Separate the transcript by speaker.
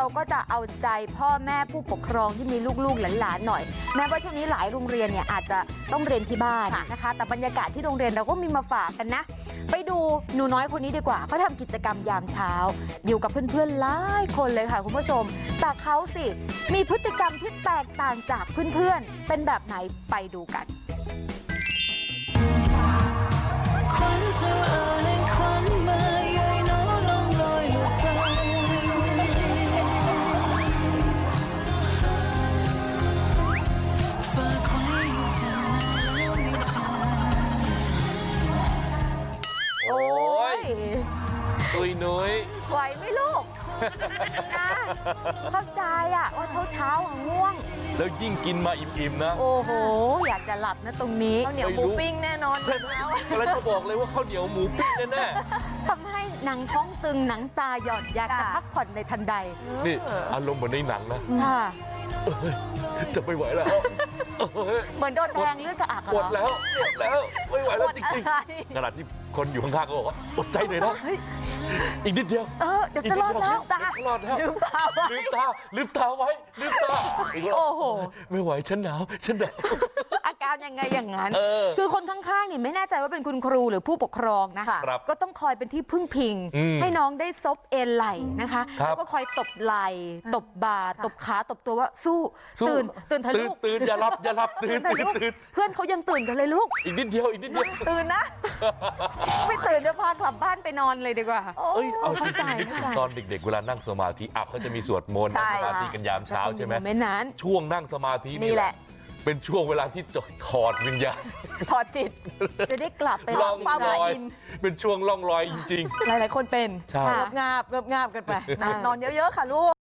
Speaker 1: ก็จะเอาใจพ่อแม่ผู้ปกครองที่มีลูกๆหลานๆหน่อยแม้ว่าช่วงนี้หลายโรงเรียนเนี่ยอาจจะต้องเรียนที่บ้านนะคะแต่บรรยากาศที่โรงเรียนเราก็มีมาฝากกันนะไปดูหนูน้อยคนนี้ดีกว่าเขาทำกิจกรรมยามเช้าอยู่กับเพื่อนๆหลายคนเลยค่ะคุณผู้ชมแต่เขาสิมีพฤติกรรมที่แตกต่างจากเพื่อนๆเป็นแบบไหนไปดูกันโอ้ย
Speaker 2: ตุยนุ้ย
Speaker 1: ไหวไหมลูกนะเข้าใจอะว่าเช้าง่วง
Speaker 2: แล้วยิ่งกินมาอิ่มๆนะ
Speaker 1: โอ้โหอยากจะหลับนะตรงนี้
Speaker 3: ข้าวเหนียวหมูปิ้งแน่นอน
Speaker 2: แล้วจะบอกเลยว่าข้าวเหนียวหมูปิ้งแน่
Speaker 1: ทำให้หนังท้องตึงหนังตาหย่อนอยากจะพักผ่อนในทันใด
Speaker 2: นี่อารมณ์เหมือนในหนังนะจะไม่ไหวแล้ว
Speaker 1: เหมือนโดนแทงเลือดกระอัก
Speaker 2: หมดแล้วไม่ไหวแล้วจริงๆขณะที่คนอยู่ข้างๆก็บอกว่าอดใจหน่อยนะอีกนิดเดียว
Speaker 1: เดี๋ยวจะรอดแล้ว
Speaker 2: รอดแล้วลืมตาไว้ลืมตา
Speaker 1: โอ้โห
Speaker 2: ไม่ไหวฉันหนาว
Speaker 1: อาการยังไงอย่างนั้นคือคนข้างๆนี่ไม่แน่ใจว่าเป็นคุณครูหรือผู้ปกครองนะก็ต้องคอยเป็นที่พึ่งพิงให้น้องได้ซบเอนไหล่นะคะแล้วก็คอยตบไหล่ตบบ่าตบขาตบตัวว่าสู้ตื่นทะลุ
Speaker 2: ตื่นอย่าหลับตื่น
Speaker 1: เพื่อนเขายังตื่นกันเลยลูก
Speaker 2: อีกนิดเดียว
Speaker 3: ตื่นนะ
Speaker 1: ไม่ตื่นจะพากลับบ้านไปนอนเลยดีกว่า
Speaker 2: เอาจริงๆตอนเด็กๆเวลานั่งสมาธิเขาจะมีสวดมนต์นั่งสมาธิกันยามเช้าใช่ไหมช่วงนั่งสมาธินี่แหละเป็นช่วงเวลาที่จะถอดวิญญาณ
Speaker 3: ถอดจิต
Speaker 1: จะได้กลับไป
Speaker 2: ล่องลอยเป็นช่วงล่องลอยจริง
Speaker 3: ๆหลายๆคนเป็นงาบกันไปนอนเยอะๆค่ะลูก